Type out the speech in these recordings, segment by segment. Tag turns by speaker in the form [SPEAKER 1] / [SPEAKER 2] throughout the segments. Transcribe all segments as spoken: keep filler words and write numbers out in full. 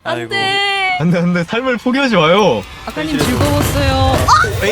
[SPEAKER 1] 안돼.
[SPEAKER 2] 안돼 안돼 삶을 포기하지 마요.
[SPEAKER 1] 아까님 즐거웠어요.
[SPEAKER 2] 엥?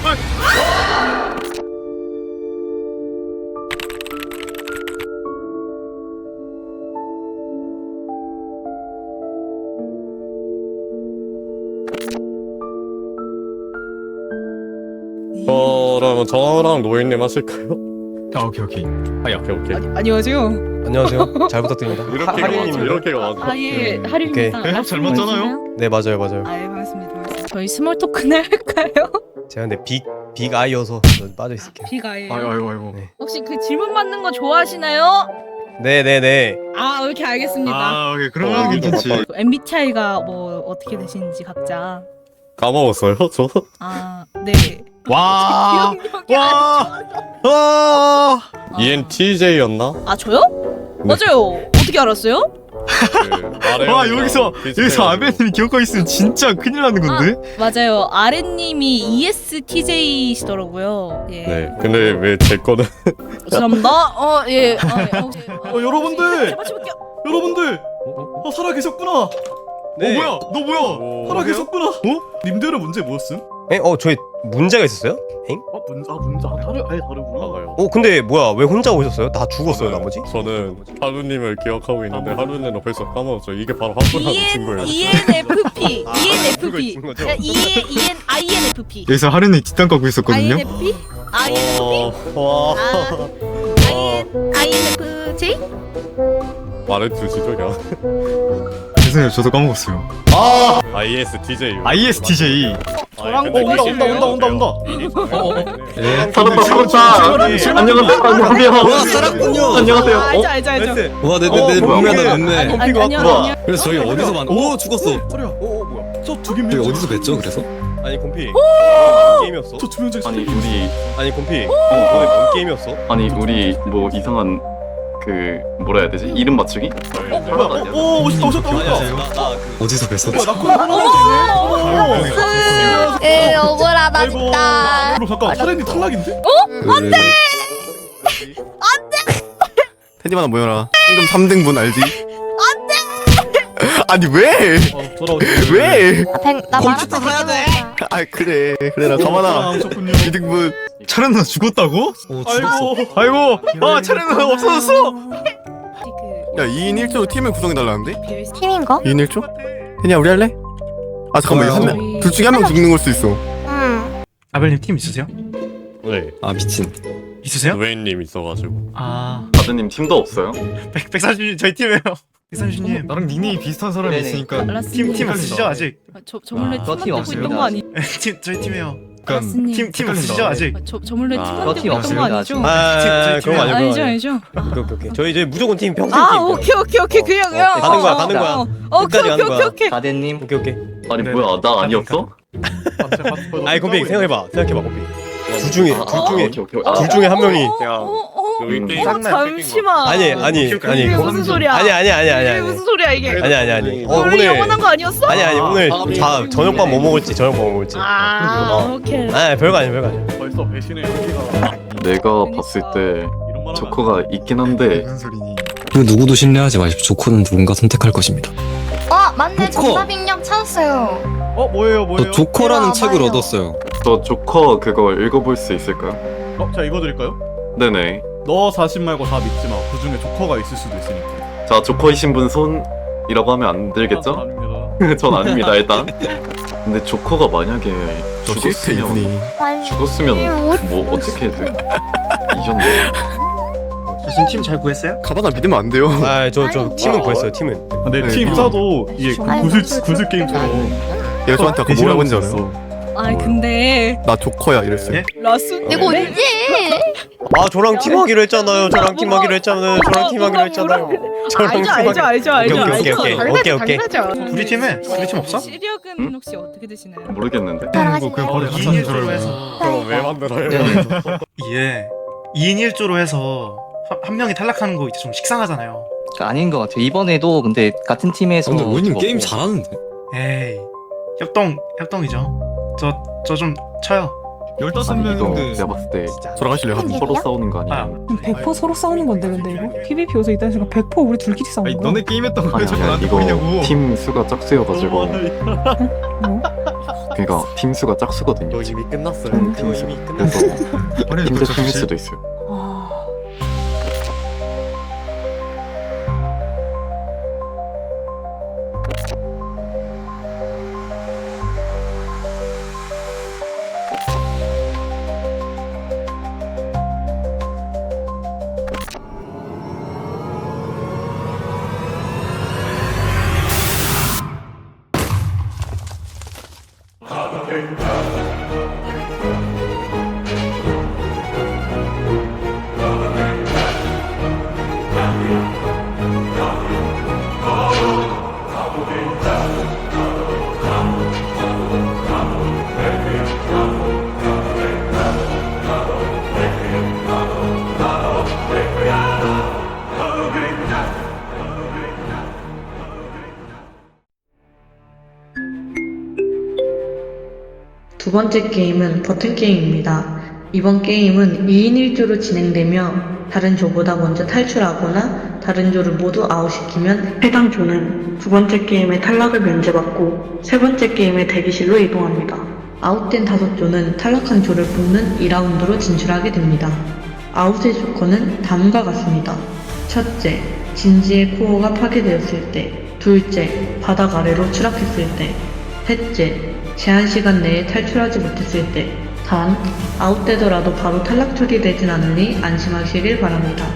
[SPEAKER 3] 그러면 저랑 노예님 하실까요?
[SPEAKER 2] 아 오케이 오케이.
[SPEAKER 3] 아, 오케이 오케이.
[SPEAKER 1] 아니, 안녕하세요.
[SPEAKER 4] 안녕하세요. 잘 부탁드립니다.
[SPEAKER 3] 이렇게
[SPEAKER 4] 하리님
[SPEAKER 3] 이렇게가 맞아.
[SPEAKER 1] 아예
[SPEAKER 4] 오케이.
[SPEAKER 1] 하림입니다.
[SPEAKER 2] 네, 잘 맞잖아요.
[SPEAKER 4] 네 맞아요 맞아요.
[SPEAKER 1] 아예 반갑습니다. 반갑습니다. 저희 스몰 토크나 할까요?
[SPEAKER 4] 제가 근데 빅, 빅 아이여서 빠져 있을게요.
[SPEAKER 1] 비가예요.
[SPEAKER 2] 아이고 아이고 아이고.
[SPEAKER 4] 네.
[SPEAKER 1] 혹시 그 질문 받는 거 좋아하시나요?
[SPEAKER 4] 네네네.
[SPEAKER 1] 아 이렇게 알겠습니다.
[SPEAKER 2] 아 오케이 그러면
[SPEAKER 3] 어,
[SPEAKER 2] 괜찮지.
[SPEAKER 1] 엠비티아이가 뭐 어떻게 되시는지 각자.
[SPEAKER 3] 까먹었어요, 저?
[SPEAKER 1] 아 네.
[SPEAKER 2] 와.
[SPEAKER 1] 기억력이
[SPEAKER 2] 와. 와.
[SPEAKER 1] 아,
[SPEAKER 3] 이엔티제이였나?
[SPEAKER 1] 아 저요? 맞아요. 어떻게 알았어요?
[SPEAKER 3] 그
[SPEAKER 2] 와 여기서 여기서 아베님이 기억하고 있으면 진짜 큰일 나는 건데.
[SPEAKER 1] 맞아요. 아랫님이 이에스티제이시더라고요. 예.
[SPEAKER 3] 네. 근데 왜 제 거는
[SPEAKER 1] 죄송합니다. 어 예. 어, 예. 어,
[SPEAKER 2] 어, 여러분들!
[SPEAKER 1] 제발 쳐볼게요.
[SPEAKER 2] 여러분들. 어 살아 계셨구나.
[SPEAKER 4] 네.
[SPEAKER 2] 어 뭐야? 너 뭐야?
[SPEAKER 3] 오.
[SPEAKER 2] 살아 계셨구나. 어? 님들은 문제 뭐였음?
[SPEAKER 4] 에? 어 저희 문제가 있었어요? 엥?
[SPEAKER 2] 어 문제 아 문제 아 다르 아예 다르구나.
[SPEAKER 3] 나가요.
[SPEAKER 4] 어 근데 뭐야 왜 혼자 오셨어요? 다 죽었어요 나머지?
[SPEAKER 3] 저는 하루님을 기억하고 있는데 하루님은 벌써 까먹었죠. 이게 바로 한분하는 친구예요.
[SPEAKER 1] 이엔에프피.
[SPEAKER 4] 아,
[SPEAKER 1] 이엔에프피.
[SPEAKER 4] 그거 있는 거죠?
[SPEAKER 1] 이엔 아이엔에프피.
[SPEAKER 2] 여기서 하루는 뒷담 까고 있었거든요.
[SPEAKER 1] 아이엔에프피? 아이엔에프피?
[SPEAKER 3] 어, 와.
[SPEAKER 1] 아, 아이엔에프제이?
[SPEAKER 3] 말해주시죠, 그냥.
[SPEAKER 2] 죄송해요 저도 까먹었어요.
[SPEAKER 3] 아이에스티제이.
[SPEAKER 2] 아이에스티제이.
[SPEAKER 1] 저랑
[SPEAKER 3] 근데
[SPEAKER 1] 온다,
[SPEAKER 3] 그게
[SPEAKER 2] 온다, 온다, 온다,
[SPEAKER 3] 네.
[SPEAKER 2] 살았다 살았다. 안녕하세요 안녕하세요.
[SPEAKER 4] 와 살았군요.
[SPEAKER 2] 안녕하세요.
[SPEAKER 1] 아, 알죠 알죠 알죠.
[SPEAKER 5] 와, 내, 내,
[SPEAKER 2] 어,
[SPEAKER 5] 내
[SPEAKER 2] 뭐야,
[SPEAKER 5] 몸매다,
[SPEAKER 2] 뭐야.
[SPEAKER 5] 몸매.
[SPEAKER 1] 아니, 아니, 아니요 아니요.
[SPEAKER 5] 그래서 저희 어디서 만, 오, 죽었어.
[SPEAKER 2] 소리야.
[SPEAKER 4] 오 뭐야?
[SPEAKER 2] 저두 개.
[SPEAKER 5] 저희 어디서 뵀죠, 그래서?
[SPEAKER 4] 아니 곰피 게임이었어?
[SPEAKER 2] 저두 명째.
[SPEAKER 6] 아니 우리
[SPEAKER 4] 아니 곰피 너네 뭔 게임이었어?
[SPEAKER 6] 아니 우리 뭐 이상한 그 뭐라 해야 되지? 이름 맞추기?
[SPEAKER 2] 오 오셨다 오셨다
[SPEAKER 4] 아니 아니
[SPEAKER 2] 오셨다.
[SPEAKER 4] 나그
[SPEAKER 5] 어디서 뵀어?
[SPEAKER 2] 뭐야 나 그거
[SPEAKER 7] 에 억울하다
[SPEAKER 2] 아이고.
[SPEAKER 7] 진짜.
[SPEAKER 2] 그럼 잠깐 사렌이 탈락인데?
[SPEAKER 5] 안 돼!
[SPEAKER 8] 테디마나 모여라. 황금 삼 등분 알지? 안돼. 아니 왜?
[SPEAKER 2] 어 돌아오세요.
[SPEAKER 8] 왜?
[SPEAKER 7] 나
[SPEAKER 5] 컴퓨터
[SPEAKER 7] 말았다
[SPEAKER 5] 사야 돼.
[SPEAKER 8] 아 그래 그래라 가만아.
[SPEAKER 2] 오셨군요.
[SPEAKER 8] 이 등분.
[SPEAKER 2] 차례 누나 죽었다고?
[SPEAKER 5] 오, 죽었어.
[SPEAKER 2] 아이고 아이고 아 차례 누나 없어졌어.
[SPEAKER 8] 야 이 인 일 조로 팀을 구성해달라는데?
[SPEAKER 7] 팀인가?
[SPEAKER 8] 이 인 일 조? 테디야 우리 할래? 아 잠깐만
[SPEAKER 5] 좋아요.
[SPEAKER 8] 한 명, 둘 중에 한 명 죽는 걸 수 있어.
[SPEAKER 7] 응.
[SPEAKER 9] 아벨님 팀 있으세요?
[SPEAKER 3] 네.
[SPEAKER 5] 아, 미친.
[SPEAKER 9] 있으세요?
[SPEAKER 3] 노예님 있어가지고.
[SPEAKER 9] 아
[SPEAKER 6] 아드님 팀도 없어요?
[SPEAKER 9] 백, 백삼십님 저희 팀이에요. 백삼십님
[SPEAKER 2] 나랑 닉네임이 비슷한 사람이
[SPEAKER 4] 네네.
[SPEAKER 2] 있으니까
[SPEAKER 9] 팀, 팀 없으시죠 아직?
[SPEAKER 1] 저, 저 몰래
[SPEAKER 4] 아,
[SPEAKER 1] 팀
[SPEAKER 4] 팀
[SPEAKER 1] 만들고
[SPEAKER 4] 없습니다.
[SPEAKER 1] 있던 거 아니?
[SPEAKER 9] 팀 저희 팀이에요.
[SPEAKER 2] 약간
[SPEAKER 1] 알았으니.
[SPEAKER 9] 팀, 팀 없으시죠 아직?
[SPEAKER 1] 저, 저 몰래 팀
[SPEAKER 3] 아,
[SPEAKER 1] 만들고
[SPEAKER 4] 팀
[SPEAKER 1] 있던 거 아니죠?
[SPEAKER 4] 아 그런 거 아니고
[SPEAKER 1] 아니죠 아니죠.
[SPEAKER 4] 오케이 오케이 오케이 저희 저희 무조건 팀 평생
[SPEAKER 1] 아
[SPEAKER 4] 팀
[SPEAKER 1] 오케이 오케이 오케이 그냥 그냥
[SPEAKER 4] 어, 가는 거야,
[SPEAKER 1] 어,
[SPEAKER 4] 가는 거야.
[SPEAKER 1] 어, 어, 오케이
[SPEAKER 4] 끝까지
[SPEAKER 1] 오케이
[SPEAKER 4] 가는
[SPEAKER 1] 오케이
[SPEAKER 4] 거야.
[SPEAKER 1] 오케이.
[SPEAKER 4] 가덴님 오케이 오케이
[SPEAKER 6] 아니
[SPEAKER 9] 네.
[SPEAKER 6] 뭐야 나 아니었어?
[SPEAKER 4] 아니 곰피 생각해봐 생각해봐 곰피 둘 중에
[SPEAKER 6] 아,
[SPEAKER 4] 둘
[SPEAKER 6] 아,
[SPEAKER 4] 중에
[SPEAKER 6] 오케이, 오케이. 아,
[SPEAKER 4] 둘 중에 한 명이
[SPEAKER 1] 어,
[SPEAKER 4] 그냥
[SPEAKER 1] 어, 어,
[SPEAKER 3] 여기
[SPEAKER 6] 음.
[SPEAKER 3] 게임
[SPEAKER 1] 어, 잠시만.
[SPEAKER 4] 아니 아니 아니
[SPEAKER 1] 이게
[SPEAKER 4] 곰-
[SPEAKER 1] 무슨 소리야?
[SPEAKER 4] 아니 아니 아니 아니
[SPEAKER 1] 이게
[SPEAKER 4] 아니
[SPEAKER 1] 무슨 소리야 이게?
[SPEAKER 4] 아니 아니 아니 어
[SPEAKER 1] 원래
[SPEAKER 4] 오늘
[SPEAKER 1] 영원한 거 아니었어?
[SPEAKER 4] 아니 아니 오늘
[SPEAKER 5] 아,
[SPEAKER 4] 자 저녁밥 뭐 먹을지 저녁밥 뭐 먹을지
[SPEAKER 1] 아
[SPEAKER 4] 어.
[SPEAKER 1] 오케이.
[SPEAKER 4] 아 별거 아니야 별거 아니야
[SPEAKER 2] 벌써 배신의 여기가
[SPEAKER 6] 내가 봤을 때 조커가 있긴 한데
[SPEAKER 2] 무슨 소리니?
[SPEAKER 5] 그 누구도 신뢰하지 마십시오. 조커는 누군가 선택할 것입니다.
[SPEAKER 7] 어 맞네
[SPEAKER 5] 조커.
[SPEAKER 7] 정답 입력 찾았어요.
[SPEAKER 2] 어 뭐예요 뭐예요?
[SPEAKER 5] 저 조커라는
[SPEAKER 7] 이리
[SPEAKER 5] 책을
[SPEAKER 7] 와봐요.
[SPEAKER 5] 얻었어요.
[SPEAKER 6] 저 조커 그거 읽어볼 수 있을까요?
[SPEAKER 2] 어 제가 읽어드릴까요?
[SPEAKER 6] 네네.
[SPEAKER 2] 너 자신 말고 다 믿지 마. 그 중에 조커가 있을 수도 있으니까.
[SPEAKER 6] 자 조커이신 분 손이라고 하면 안 들겠죠?
[SPEAKER 2] 아닙니다.
[SPEAKER 6] 전 아닙니다 일단. 근데 조커가 만약에
[SPEAKER 8] 저 실패
[SPEAKER 6] 죽었으면
[SPEAKER 8] 이분이.
[SPEAKER 6] 죽었으면 뭐 어떻게 돼? 이전데.
[SPEAKER 9] 무슨 팀 잘 구했어요?
[SPEAKER 8] 가만아 믿으면 안 돼요.
[SPEAKER 4] 아저 저 팀은 구했어요 팀은
[SPEAKER 2] 근데
[SPEAKER 8] 네,
[SPEAKER 2] 팀
[SPEAKER 8] 네.
[SPEAKER 2] 짜도 이게 그
[SPEAKER 7] 아이고,
[SPEAKER 2] 구슬
[SPEAKER 7] 그-
[SPEAKER 2] 구슬
[SPEAKER 7] 그-
[SPEAKER 2] 게임처럼
[SPEAKER 8] 얘가 저한테 아까 뭐라고 했는지 알아요?
[SPEAKER 2] 있어.
[SPEAKER 1] 아 근데
[SPEAKER 8] 나 조커야 이랬어요.
[SPEAKER 9] 예?
[SPEAKER 1] 라스
[SPEAKER 7] 이거 언제?
[SPEAKER 4] 아 저랑 팀하기로 했잖아요 저랑 팀하기로 했잖아요 저랑 팀하기로 했잖아요 저랑
[SPEAKER 1] 알죠 알죠 알죠 알죠
[SPEAKER 4] 오케이, 오케이,
[SPEAKER 1] 알죠.
[SPEAKER 4] 오케이,
[SPEAKER 1] 당연하죠,
[SPEAKER 4] 오케이, 오케이.
[SPEAKER 1] 당연하죠.
[SPEAKER 9] 우리 팀에 우리 팀 없어?
[SPEAKER 1] 시력은 혹시 어떻게 되시나요?
[SPEAKER 6] 모르겠는데.
[SPEAKER 2] 뭐 그냥 바로 같이
[SPEAKER 9] 이인
[SPEAKER 2] 하는 줄
[SPEAKER 9] 일조로
[SPEAKER 2] 알고.
[SPEAKER 9] 해서
[SPEAKER 3] 그럼 왜 만들어요?
[SPEAKER 9] 예 이인 일조로 해서 한, 한 명이 탈락하는 거 이제 좀 식상하잖아요.
[SPEAKER 10] 아닌 것 같아요. 이번에도 근데 같은 팀에서
[SPEAKER 5] 근데 로이님
[SPEAKER 10] 죽었고.
[SPEAKER 5] 게임 잘하는데?
[SPEAKER 9] 에이 협동 협동이죠. 저 저 좀 쳐요.
[SPEAKER 2] 열다섯
[SPEAKER 6] 아니 이거
[SPEAKER 2] 명인데
[SPEAKER 6] 내가 봤을 때
[SPEAKER 8] 돌아가실래요?
[SPEAKER 7] 한
[SPEAKER 6] 서로 싸우는 거
[SPEAKER 9] 아,
[SPEAKER 6] 아니야?
[SPEAKER 1] 백 퍼센트 서로 싸우는 건데 근데 이거 피비피 요소 있다는 순간 백 퍼센트 우리 둘끼리 싸우는
[SPEAKER 2] 아니
[SPEAKER 1] 거야.
[SPEAKER 2] 너네 게임했던 거 왜
[SPEAKER 6] 아니
[SPEAKER 2] 자꾸
[SPEAKER 6] 아니야
[SPEAKER 2] 나한테
[SPEAKER 6] 이거
[SPEAKER 2] 보이냐고.
[SPEAKER 6] 팀 수가 짝수여가지고
[SPEAKER 1] 뭐?
[SPEAKER 6] 그러니까 팀 수가 짝수거든요.
[SPEAKER 4] 너 이미 끝났어요.
[SPEAKER 6] 음,
[SPEAKER 4] 너
[SPEAKER 6] 팀
[SPEAKER 4] 이미
[SPEAKER 6] 그래서
[SPEAKER 4] 끝났어.
[SPEAKER 2] 아니,
[SPEAKER 6] 팀
[SPEAKER 2] 그렇죠,
[SPEAKER 6] 대 팀일
[SPEAKER 2] 혹시?
[SPEAKER 6] 수도 있어요.
[SPEAKER 1] 아...
[SPEAKER 11] 두 번째 게임은 버튼 게임입니다. 이번 게임은 이 인 일 조로 진행되며 다른 조보다 먼저 탈출하거나 다른 조를 모두 아웃시키면 해당 조는 두 번째 게임의 탈락을 면제받고 세 번째 게임의 대기실로 이동합니다. 아웃된 다섯 조는 탈락한 조를 뽑는 이 라운드로 진출하게 됩니다. 아웃의 조건은 다음과 같습니다. 첫째, 진지의 코어가 파괴되었을 때. 둘째, 바닥 아래로 추락했을 때. 셋째, 제한 시간 내에 탈출하지 못했을 때. 단, 아웃되더라도 바로 탈락 처리되진 않으니 안심하시길 바랍니다.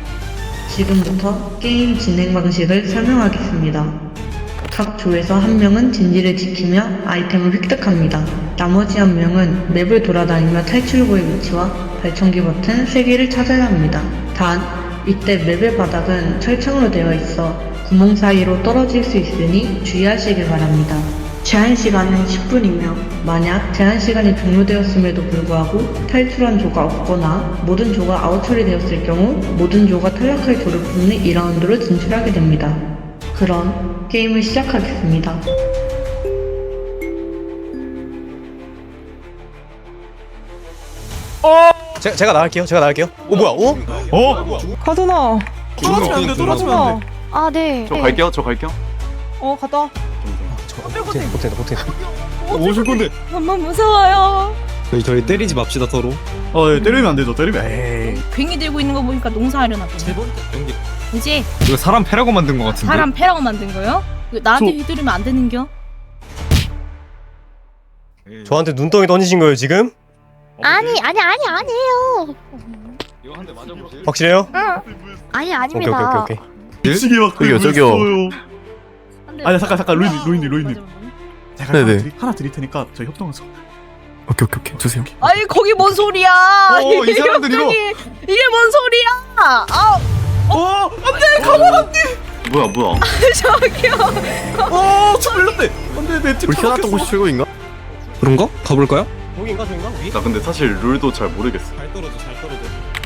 [SPEAKER 11] 지금부터 게임 진행 방식을 설명하겠습니다. 각 조에서 한 명은 진지를 지키며 아이템을 획득합니다. 나머지 한 명은 맵을 돌아다니며 탈출구의 위치와 발전기 버튼 세 개를 찾아야 합니다. 단, 이때 맵의 바닥은 철창으로 되어 있어 구멍 사이로 떨어질 수 있으니 주의하시길 바랍니다. 제한 시간은 십 분이며 만약 제한 시간이 종료되었음에도 불구하고 탈출한 조가 없거나 모든 조가 아웃 처리되었을 경우 모든 조가 탈락할 조를 뽑는 이 라운드로 진출하게 됩니다. 그럼 게임을 시작하겠습니다.
[SPEAKER 4] 제가 제가 나갈게요. 제가 나갈게요. 오 뭐야? 오?
[SPEAKER 2] 어?
[SPEAKER 1] 가준아.
[SPEAKER 9] 떨어지면 안 돼, 떨어지면 안 돼.
[SPEAKER 7] 아, 네.
[SPEAKER 6] 저 갈게요. 저 갈게요.
[SPEAKER 1] 어 갔다.
[SPEAKER 4] 못해 못해 못해.
[SPEAKER 2] 오실 건데.
[SPEAKER 1] 너무 무서워요.
[SPEAKER 5] 저희 저희 때리지 맙시다 서로.
[SPEAKER 9] 어, 예, 때리면 안 되죠. 때리면 에이.
[SPEAKER 1] 괭이 들고 있는 거 보니까 농사하려나 보네. 그지?
[SPEAKER 2] 이거 사람 패라고 만든 거 같은데.
[SPEAKER 1] 사람 패라고 만든 거요? 이거 나한테
[SPEAKER 9] 저-
[SPEAKER 1] 휘두르면 안 되는겨?
[SPEAKER 4] 저한테 눈덩이 던지신 거예요 지금?
[SPEAKER 7] 아니, 아니, 아니, 아니에요.
[SPEAKER 2] 이거 한 대 맞아보실?
[SPEAKER 4] 확실해요?
[SPEAKER 7] 아니,
[SPEAKER 4] 오케이
[SPEAKER 7] 아닙니다.
[SPEAKER 4] 오케이 오케이 오케이.
[SPEAKER 9] 미치게 막
[SPEAKER 8] 저기요, 저기요.
[SPEAKER 9] 아니, 잠깐, 잠깐, 로이님, 로이님, 로이님. 제가
[SPEAKER 8] 네네.
[SPEAKER 9] 하나, 드리, 하나 드릴 테니까 저희 협동해서.
[SPEAKER 8] 오케이 오케이 오케이 주세요.
[SPEAKER 1] 아니 거기 뭔 소리야?
[SPEAKER 2] 어, 이 사람들 이거.
[SPEAKER 1] 갑자기 이게 뭔 소리야? 아
[SPEAKER 9] 어,
[SPEAKER 6] 뭐야 뭐야?
[SPEAKER 1] 저기요.
[SPEAKER 9] 어, 저 밀렸대. 안돼, 내 팀.
[SPEAKER 8] 우리 희한했던 곳이 최고인가?
[SPEAKER 5] 그런가? 가볼까요?
[SPEAKER 4] 저기인가 저기인가? 위?
[SPEAKER 6] 나 근데 사실 룰도 잘 모르겠어.
[SPEAKER 4] 잘 떨어져 잘 떨어져.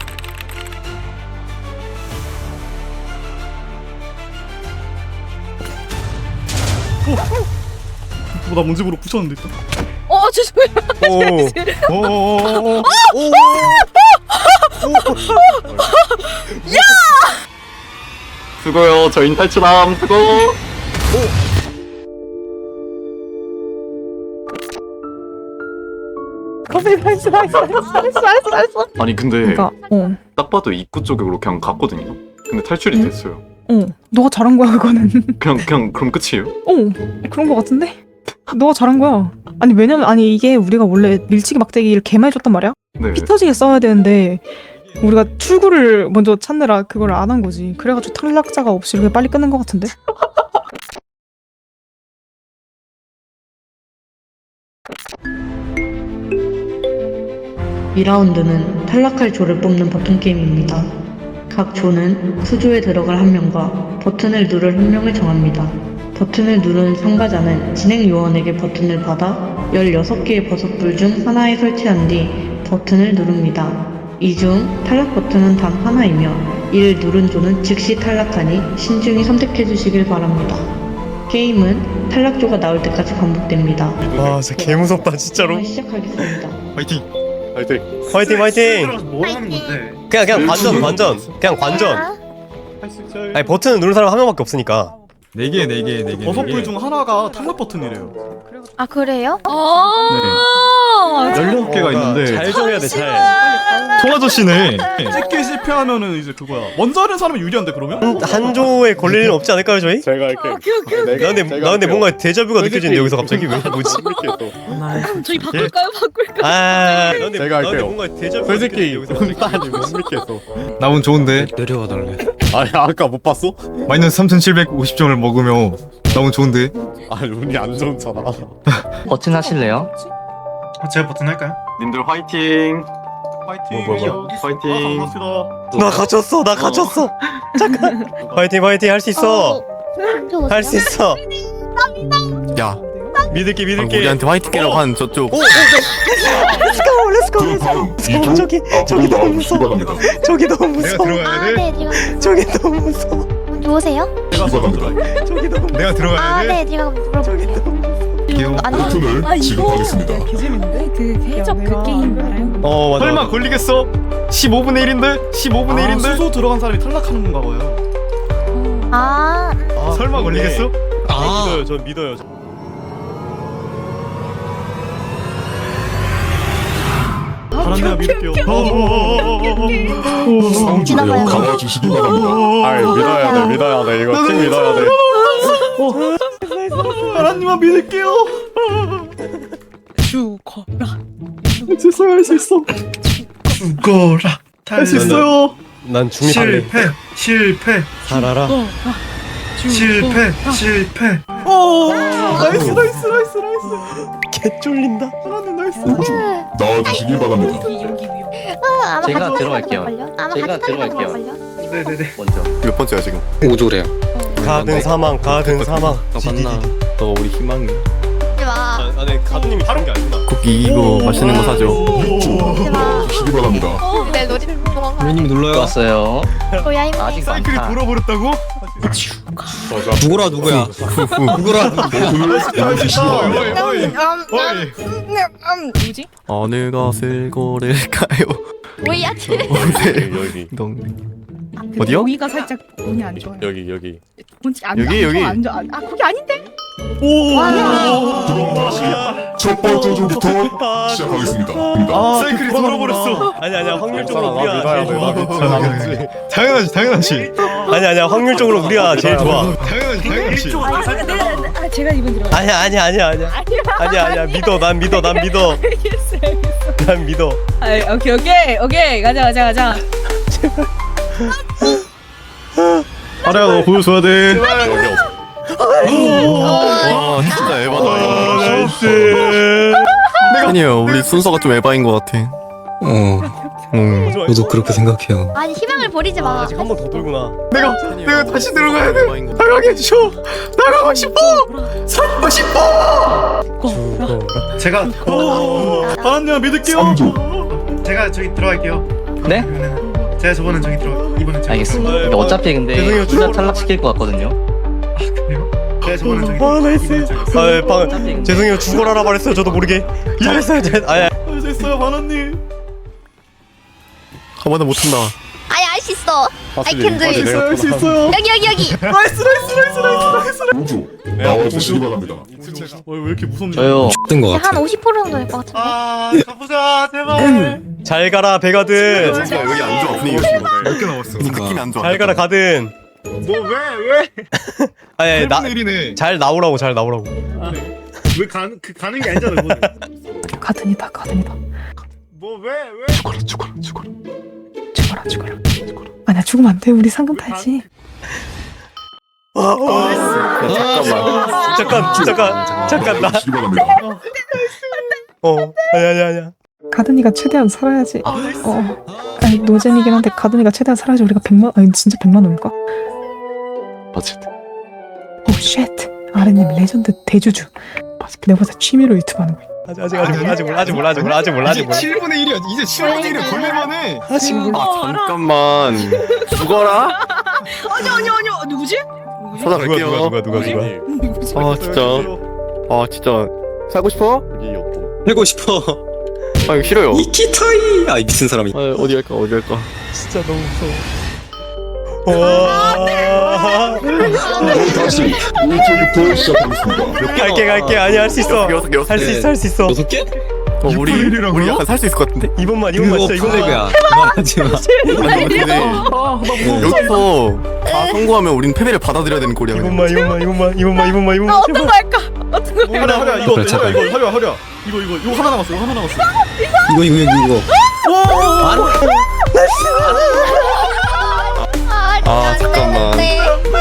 [SPEAKER 9] 어, 나 문집으로 부셨는데 일단.
[SPEAKER 1] 어 죄송해요.
[SPEAKER 4] 오.
[SPEAKER 2] 오오오오.
[SPEAKER 4] 오.
[SPEAKER 6] 수고요. 저희 탈출함. 수고.
[SPEAKER 1] 커피 나이스 나이스 나이스 나이스 나이스.
[SPEAKER 6] 아니 근데
[SPEAKER 1] 그러니까 어.
[SPEAKER 6] 딱 봐도 입구 쪽으로 그냥 갔거든요. 근데 탈출이
[SPEAKER 1] 응?
[SPEAKER 6] 됐어요.
[SPEAKER 1] 어, 너가 잘한 거야 그거는.
[SPEAKER 6] 그냥 그냥 그럼 끝이에요?
[SPEAKER 1] 어, 그런 거 같은데? 너가 잘한 거야. 아니 왜냐면 아니 이게 우리가 원래 밀치기 막대기를 개만 해줬단 말이야.
[SPEAKER 6] 네.
[SPEAKER 1] 피 터지게 써야 되는데 우리가 출구를 먼저 찾느라 그걸 안 한 거지. 그래가지고 탈락자가 없이 이렇게 빨리 끝낸 거 같은데?
[SPEAKER 11] 이 라운드는 탈락할 조를 뽑는 버튼 게임입니다. 각 조는 수조에 들어갈 한 명과 버튼을 누를 한 명을 정합니다. 버튼을 누르는 참가자는 진행 요원에게 버튼을 받아 열여섯 개의 버섯불 중 하나에 설치한 뒤 버튼을 누릅니다. 이 중 탈락 버튼은 단 하나이며 이를 누른 조는 즉시 탈락하니 신중히 선택해 주시길 바랍니다. 게임은 탈락조가 나올 때까지 반복됩니다.
[SPEAKER 4] 와 진짜 개 무섭다 진짜로.
[SPEAKER 11] 시작하겠습니다.
[SPEAKER 2] 파이팅.
[SPEAKER 3] 화이팅.
[SPEAKER 4] 화이팅 화이팅.
[SPEAKER 9] 들어가서 뭐 하는 건데?
[SPEAKER 4] 그냥 그냥 관전 관전. 그냥 관전.
[SPEAKER 9] 할수 있죠.
[SPEAKER 4] 아니 버튼 누른 사람 한 명밖에 없으니까.
[SPEAKER 2] 네 개, 네 개, 네 개.
[SPEAKER 9] 버섯 불 중 하나가 탈락 버튼이래요.
[SPEAKER 7] 아 그래요?
[SPEAKER 2] 열여섯 개가 있는데
[SPEAKER 4] 잘 정해야 돼 잘.
[SPEAKER 2] 통아저씨네.
[SPEAKER 9] 찍기 실패하면은 이제 그거야. 먼저 하는 사람이 유리한데 그러면?
[SPEAKER 4] 한, 한 조에 걸릴 일은 없지 않을까요 저희?
[SPEAKER 3] 제가 할게.
[SPEAKER 4] 나 근데 나 근데 뭔가 데자뷰가 느껴지는데 여기서 갑자기 왜 뭐지?
[SPEAKER 7] 저희 바꿀까요? 바꿀까요?
[SPEAKER 4] 아, 나 근데,
[SPEAKER 3] 제가
[SPEAKER 4] 나 근데
[SPEAKER 3] 할게요.
[SPEAKER 4] 뭔가 데자뷰가
[SPEAKER 3] 솔직히
[SPEAKER 4] 느껴지는데 여기서 갑자기
[SPEAKER 3] 아니 못 믿겠어.
[SPEAKER 2] 나 운 좋은데.
[SPEAKER 5] 내려와 달래.
[SPEAKER 3] 아니 아까 못 봤어?
[SPEAKER 2] 마이너스 삼천칠백오십 점을 먹으며 나 운 좋은데.
[SPEAKER 3] 아니 운이 안 좋잖아.
[SPEAKER 10] 버튼 하실래요?
[SPEAKER 9] 아, 제가 버튼 할까요?
[SPEAKER 6] 님들 화이팅.
[SPEAKER 9] 화이팅.
[SPEAKER 3] 뭐, 뭐, 뭐.
[SPEAKER 9] 여기 있-
[SPEAKER 6] 화이팅.
[SPEAKER 9] 아, 반갑습니다.
[SPEAKER 4] 나 갇혔어 나 갇혔어. 잠깐. 화이팅 화이팅 할 수 있어. 할 수 있어.
[SPEAKER 8] 야
[SPEAKER 4] 믿을게
[SPEAKER 8] 방금
[SPEAKER 4] 믿을게.
[SPEAKER 8] 우리한테 화이팅이라고 한 저쪽
[SPEAKER 4] 렛츠고 렛츠고 렛츠고. 저기 저기 너무 무서워. 저기 너무
[SPEAKER 2] 내가
[SPEAKER 4] 무서워.
[SPEAKER 2] 들어가야 돼.
[SPEAKER 7] 아네 지금
[SPEAKER 4] 저기 너무 무서워.
[SPEAKER 7] 누우세요?
[SPEAKER 9] 제가 먼저 들어갈게요.
[SPEAKER 4] 저기 너무
[SPEAKER 2] 내가 들어가야 돼.
[SPEAKER 7] 아네 지금
[SPEAKER 4] 저기
[SPEAKER 7] 물어볼게요.
[SPEAKER 4] 너무.
[SPEAKER 2] 귀여워.
[SPEAKER 7] 아니
[SPEAKER 12] 아 이거 개재밌는데 그 해적 그 게임 알아요?
[SPEAKER 4] 어 맞아.
[SPEAKER 2] 설마 걸리겠어? 십오분의 일인데? 십오분의
[SPEAKER 9] 아,
[SPEAKER 2] 일인데?
[SPEAKER 9] 수소 들어간 사람이 탈락하는 건가 봐요.
[SPEAKER 7] 아
[SPEAKER 4] 아,
[SPEAKER 2] 설마
[SPEAKER 4] 그러네.
[SPEAKER 2] 걸리겠어?
[SPEAKER 4] 아 믿어요 저 믿어요. 저.
[SPEAKER 9] 바람내가 믿을게요.
[SPEAKER 7] 지나가요.
[SPEAKER 3] 아이 믿어야 돼 믿어야 돼 이거 팀 믿어야 돼.
[SPEAKER 9] 바람님만 믿을게요.
[SPEAKER 12] 죽어라.
[SPEAKER 9] 있어요 할 수 있어. 죽어라. 할 수 있어요.
[SPEAKER 4] 난 중립할래.
[SPEAKER 9] 실패 실패
[SPEAKER 4] 살아라.
[SPEAKER 9] 실패 실패. 오 나이스 나이스 나이스 나이스.
[SPEAKER 4] 개 쫄린다.
[SPEAKER 9] 바람님 나이스.
[SPEAKER 12] 나와주시기 바랍니다. 여기 여기 위험.
[SPEAKER 7] 아마
[SPEAKER 10] 제가
[SPEAKER 7] 같이
[SPEAKER 10] 들어갈게요.
[SPEAKER 7] 걸려? 아마
[SPEAKER 10] 제가
[SPEAKER 7] 같이 걸려?
[SPEAKER 10] 들어갈게요.
[SPEAKER 9] 네네네.
[SPEAKER 10] 먼저.
[SPEAKER 8] 몇 번째야 지금?
[SPEAKER 5] 우조래요.
[SPEAKER 4] 가든 사망 가든 사망.
[SPEAKER 5] 너 만나. 너 우리 희망이야.
[SPEAKER 7] 하지 마.
[SPEAKER 4] 아, 아, 네, 가든님이 주는 게 아니구나.
[SPEAKER 8] 쿠키 이거 맛있는 거 사줘.
[SPEAKER 7] 하지 마.
[SPEAKER 12] 주시기 바랍니다.
[SPEAKER 7] 내 놀이를 도망가.
[SPEAKER 5] 선생님 눌러요.
[SPEAKER 10] 왔어요.
[SPEAKER 7] 뭐야 이거.
[SPEAKER 10] 아직
[SPEAKER 2] 사이클이
[SPEAKER 10] 많다.
[SPEAKER 2] 돌아버렸다고?
[SPEAKER 5] 죽어라 누구야? 죽어라 누구야?
[SPEAKER 12] 버튼을 나와주시기 바랍니다.
[SPEAKER 2] 어이, 어이.
[SPEAKER 12] 뭐지?
[SPEAKER 8] 어느 것을 고를까요?
[SPEAKER 7] 뭐야?
[SPEAKER 3] 여기 여기
[SPEAKER 8] 동
[SPEAKER 12] 아, 근데
[SPEAKER 8] 어디요?
[SPEAKER 12] 여기가 살짝 운이 안 좋아요.
[SPEAKER 3] 여기 여기.
[SPEAKER 12] 뭔지 안,
[SPEAKER 8] 여기,
[SPEAKER 12] 안
[SPEAKER 8] 여기.
[SPEAKER 12] 좋아, 안 좋아. 아 거기 아닌데? 첫 번째 조부터 시작하겠습니다.
[SPEAKER 9] 아
[SPEAKER 2] 사이클이 돌아버렸어.
[SPEAKER 4] 아니 아니야 확률적으로
[SPEAKER 3] 나 믿어야
[SPEAKER 4] 우리가
[SPEAKER 3] 돼.
[SPEAKER 4] 제일
[SPEAKER 3] 나
[SPEAKER 4] 좋아.
[SPEAKER 3] 믿지. 나 믿지.
[SPEAKER 2] 당연하지, 당연하지.
[SPEAKER 4] 아니 아니야 확률적으로 우리가 제일 좋아.
[SPEAKER 2] 당연하지, 당연하지.
[SPEAKER 12] 아, 내가, 아 제가 이번 들어.
[SPEAKER 4] 아니야 아니야 아니야 아니야 아니야 아니야 믿어 난 믿어 난 믿어
[SPEAKER 12] 알겠어, 알겠어.
[SPEAKER 4] 난 믿어.
[SPEAKER 12] 아, 오케이, 오케이, 오케이, 가자, 가자, 가자.
[SPEAKER 9] 아래야 너 보여줘야 돼.
[SPEAKER 3] 여기 없어.
[SPEAKER 8] 와 진짜 에바다.
[SPEAKER 4] 나이스.
[SPEAKER 8] 아니에요 우리 순서가 좀 에바인 것 같아.
[SPEAKER 5] 어.
[SPEAKER 8] 응.
[SPEAKER 5] 저도 그렇게 생각해요.
[SPEAKER 7] 아니 희망을 버리지 마.
[SPEAKER 4] 아직 한 번 더 돌구나.
[SPEAKER 2] 내가 내가 다시 들어가야 돼.
[SPEAKER 8] 에바인 것 같아.
[SPEAKER 2] 나가게 해줘. 나가고 싶어. 살고 싶어.
[SPEAKER 9] 제가 바람님 믿을게요. 제가 저기 들어갈게요.
[SPEAKER 10] 네?
[SPEAKER 9] 그러면은 제가 저번엔 저기 들어. 이번엔 제가.
[SPEAKER 10] 알겠습니다.
[SPEAKER 4] 네,
[SPEAKER 10] 근데 어차피 근데
[SPEAKER 4] 죄송해요,
[SPEAKER 10] 둘 다
[SPEAKER 4] 죽어라.
[SPEAKER 10] 탈락시킬 것 같거든요.
[SPEAKER 9] 그래요? 제가 저번엔 저기.
[SPEAKER 4] 아 나이스. 아 방
[SPEAKER 10] 어차피 근데
[SPEAKER 4] 죄송해요 죽어라라 말했어요 저도 모르게. 잘했어요 잘. 아야.
[SPEAKER 9] 할 수 있어요 바람님.
[SPEAKER 8] 한 번에 못한다.
[SPEAKER 7] 아니 알 수 있어. I can do it.
[SPEAKER 9] 할 수 있어요.
[SPEAKER 7] 여기 여기 여기.
[SPEAKER 9] 나이스 나이스 나이스 나이스 나이스.
[SPEAKER 12] 우주 나와주시기 바랍니다.
[SPEAKER 9] 왜 이렇게 무섭냐?
[SPEAKER 10] 저요.
[SPEAKER 5] 뜬 것
[SPEAKER 7] 한
[SPEAKER 5] 같아.
[SPEAKER 7] 오십 퍼센트 정도 될 것 같은데.
[SPEAKER 9] 아 가보자 제발.
[SPEAKER 4] 잘 가라 배가든.
[SPEAKER 8] 진짜 여기 안 좋아 분위기 요즘.
[SPEAKER 2] 몇 개 남았어?
[SPEAKER 8] 느낌이 안 좋아.
[SPEAKER 4] 잘 가라 가든.
[SPEAKER 9] 뭐 왜 왜?
[SPEAKER 4] 아니 아니
[SPEAKER 2] 팔분의 일이네.
[SPEAKER 4] 나잘 나오라고 잘 나오라고.
[SPEAKER 9] 왜 가는 그 가는 게 아니잖아 그거는.
[SPEAKER 1] 가든이다 가든이다.
[SPEAKER 9] 뭐 왜 왜?
[SPEAKER 1] 죽어라 죽어라 죽어라. 죽어라 죽어라 죽어라. 아니야 죽으면 안 돼. 우리 상금 타야지.
[SPEAKER 4] 잠깐만. 잠깐 잠깐 잠깐 나.
[SPEAKER 12] 주시기 바랍니다.
[SPEAKER 4] 어 아니 아니 아니야.
[SPEAKER 1] 가든이가 최대한 살아야지. 어. 아니 노잼이긴 한데 가든이가 최대한 살아야지 우리가 백만 아니 진짜 백만 원일까?
[SPEAKER 8] 어쨌든.
[SPEAKER 1] 오 쉣. 아르님 레전드 대주주. 내가 봐서 취미로 유튜브 하는 거야.
[SPEAKER 4] 아직 아직 아직 몰라 아직 몰라 아직 몰라 아직 몰라 아직 몰라 아직 몰라.
[SPEAKER 2] 칠분의 일이야. 이제 칠분의 일에 걸릴만해.
[SPEAKER 4] 아직 몰라.
[SPEAKER 8] 아 잠깐만. 죽어라.
[SPEAKER 12] 아니, 아니, 아니, 누구지?
[SPEAKER 8] 찾아갈게요.
[SPEAKER 4] 누가 누가 누가.
[SPEAKER 8] 아 진짜. 아 진짜. 살고 싶어?
[SPEAKER 3] 여기 없고.
[SPEAKER 5] 살고 싶어.
[SPEAKER 8] 아 이거 싫어요.
[SPEAKER 5] 이키타이. 아 미친 사람이.
[SPEAKER 8] 아, 어디 갈까 어디 갈까.
[SPEAKER 4] 진짜 너무 무서워. 와.
[SPEAKER 13] 다시 왼쪽이 보여 시작하겠습니다.
[SPEAKER 4] 갈게 갈게 아니 할 수 있어.
[SPEAKER 8] 여섯 개 여섯
[SPEAKER 4] 할 수 있어 할 수 있어.
[SPEAKER 5] 여섯 개?
[SPEAKER 8] 어, 우리
[SPEAKER 2] 일이라고요?
[SPEAKER 8] 우리 약간 살 수 있을 것 같은데?
[SPEAKER 4] 이번만 이번만
[SPEAKER 5] 그거
[SPEAKER 4] 진짜 이번만.
[SPEAKER 5] 플래그야. 그만하지 마.
[SPEAKER 8] 아니 근데 여기서 다 성공하면 우린 패배를 받아들여야 되는 꼴이야. 그냥.
[SPEAKER 4] 이번만 이번만 이번만 이번만 이번만 이번만 제발.
[SPEAKER 12] 할까? 어떤 거
[SPEAKER 2] 하랴 하랴 이거
[SPEAKER 5] 그래, 제발.
[SPEAKER 2] 이거 하랴 하랴 이거 이거 이거 하나 남았어 이거 하나 남았어.
[SPEAKER 5] 이거 이거 이거 이거.
[SPEAKER 7] 아,
[SPEAKER 8] 아, 잠깐만.
[SPEAKER 7] 네.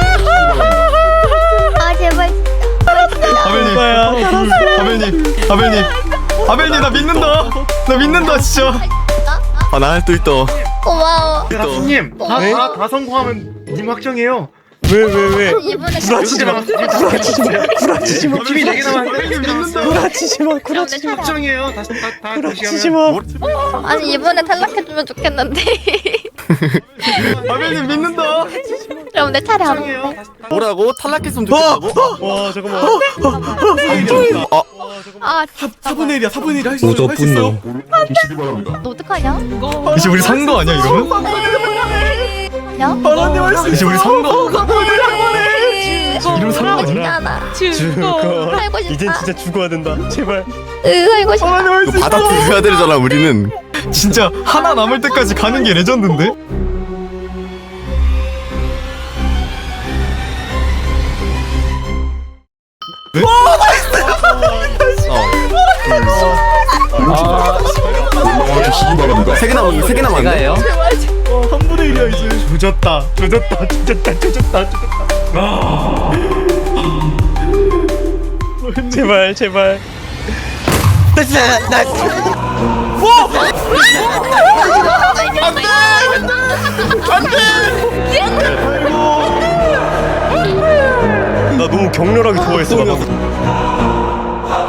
[SPEAKER 7] 아 제발.
[SPEAKER 2] 아벨님 아벨님 아벨님 아벨님 나 믿는다 나 믿는다 진짜.
[SPEAKER 8] 아 나 또 있다.
[SPEAKER 7] 고마워.
[SPEAKER 9] 다수님 다다 다 성공하면 님 확정이에요.
[SPEAKER 4] 왜 왜 왜?
[SPEAKER 7] 이번에
[SPEAKER 4] 구라치지 마. 구라치지 마. 구라치지 마.
[SPEAKER 9] 팀이 네 개 남았는데
[SPEAKER 4] 구라치지 마. 구라치지 마.
[SPEAKER 9] 확정이에요. 다시 다다
[SPEAKER 4] 구라치지 마.
[SPEAKER 7] 아니 이번에 탈락해주면 좋겠는데.
[SPEAKER 2] 아벨님 믿는다.
[SPEAKER 7] 그럼 내 차례 안 와.
[SPEAKER 8] 뭐라고? 탈락했으면 좋겠다고?
[SPEAKER 4] 와 잠깐만.
[SPEAKER 8] 아
[SPEAKER 7] 아
[SPEAKER 2] 사분의 일이야 사분의 일 할 수 있어
[SPEAKER 5] 오저
[SPEAKER 2] 할 수 있어.
[SPEAKER 5] 분노.
[SPEAKER 13] 주시기 바랍니다.
[SPEAKER 7] 너 어떡하냐?
[SPEAKER 2] 이제 우리 산 거 아니야 이러면?
[SPEAKER 7] 야?
[SPEAKER 2] 하나님 할수 이제 우리 산 거. 이러면 산 거
[SPEAKER 7] 하고 싶지
[SPEAKER 2] 아니야?
[SPEAKER 7] 않아.
[SPEAKER 4] 죽어.
[SPEAKER 7] 살고 싶다.
[SPEAKER 4] 이젠 진짜 죽어야 된다. 제발.
[SPEAKER 7] 으, 살고 싶다.
[SPEAKER 8] 이거 받아들여야 되잖아 우리는.
[SPEAKER 2] 진짜 하나 남을 때까지 가는 게 레전드인데?
[SPEAKER 13] 올라와주시기 바랍니다.
[SPEAKER 8] 세 개 남았는데 세 개 남았는데.
[SPEAKER 10] 제가예요?
[SPEAKER 2] 삼분의 일이야 이제.
[SPEAKER 4] 조졌다. 조졌다. 조졌다. 조졌다. 조졌다. 아. 제발 제발. 나 나. 나 너무 격렬하게 좋아했어. 나 방금.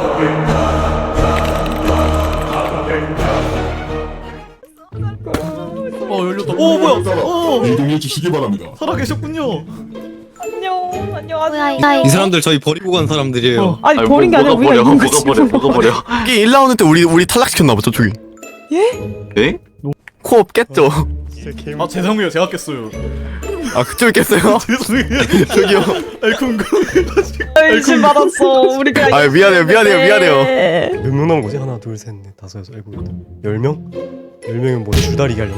[SPEAKER 2] 어 열렸다. 오 뭐야? 오
[SPEAKER 13] 이동해 주시기 바랍니다.
[SPEAKER 2] 살아 계셨군요.
[SPEAKER 1] 안녕
[SPEAKER 7] 뭐야
[SPEAKER 1] 안녕하세요.
[SPEAKER 7] 이거?
[SPEAKER 5] 이 사람들 저희 버리고 간 사람들이에요.
[SPEAKER 1] 아니 버린 게 아니라 우리가 있는 거지.
[SPEAKER 6] 뭐가 버려?
[SPEAKER 8] 이게 일 라운드 때 우리 우리 탈락시켰나 봐 저쪽이.
[SPEAKER 6] 예?
[SPEAKER 8] 코업 깼죠.
[SPEAKER 4] 진짜 개.
[SPEAKER 2] 아 죄송해요 제가 깼어요.
[SPEAKER 8] 아 그쪽이 깼어요?
[SPEAKER 2] 죄송해요.
[SPEAKER 8] 저기요.
[SPEAKER 2] 알콩
[SPEAKER 1] 의심 받았어. 우리가.
[SPEAKER 8] 아 미안해요 미안해요 미안해요.
[SPEAKER 4] 몇 명 남은 거지? 하나, 둘, 셋, 넷, 다섯, 여섯, 일곱, 여덟, 열 명? 열 명은 뭐 줄다리기 하려나?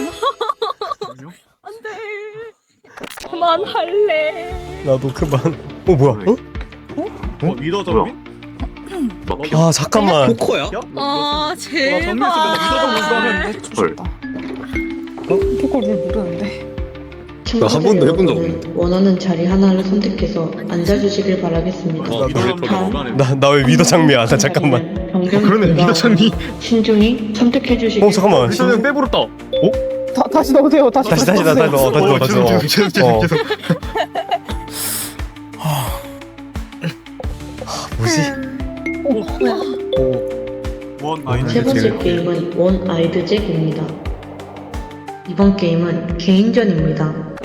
[SPEAKER 12] 그만할래.
[SPEAKER 4] 나도 그만. 어 뭐야? 어?
[SPEAKER 2] 어 리더 정민?
[SPEAKER 4] 아 잠깐만.
[SPEAKER 5] 포코야?
[SPEAKER 12] 아 제발.
[SPEAKER 6] 헐.
[SPEAKER 1] 그걸 왜 모르는데?
[SPEAKER 5] 한 번도 해본 적
[SPEAKER 11] 여러분은 원하는 자리 하나를 선택해서 앉아주시길 바라겠습니다.
[SPEAKER 4] 나 나 왜 위더 장미야? 나 잠깐만.
[SPEAKER 2] 그러네 리더 장미.
[SPEAKER 11] 신중히 선택해주시길
[SPEAKER 4] 어 잠깐만.
[SPEAKER 2] 리더는 빼버렸다. 어?
[SPEAKER 1] 다 다시 넣으세요. 다시.
[SPEAKER 4] 다시 다시 다시 다시 넣어 다시 넣어 다시 넣어.
[SPEAKER 2] 죄송 죄송 죄송
[SPEAKER 4] 어.
[SPEAKER 2] 죄송.
[SPEAKER 4] 뭐지?
[SPEAKER 2] 원
[SPEAKER 11] 세 번째 게임은 원 아이드 잭입니다. 이번 게임은 개인전입니다.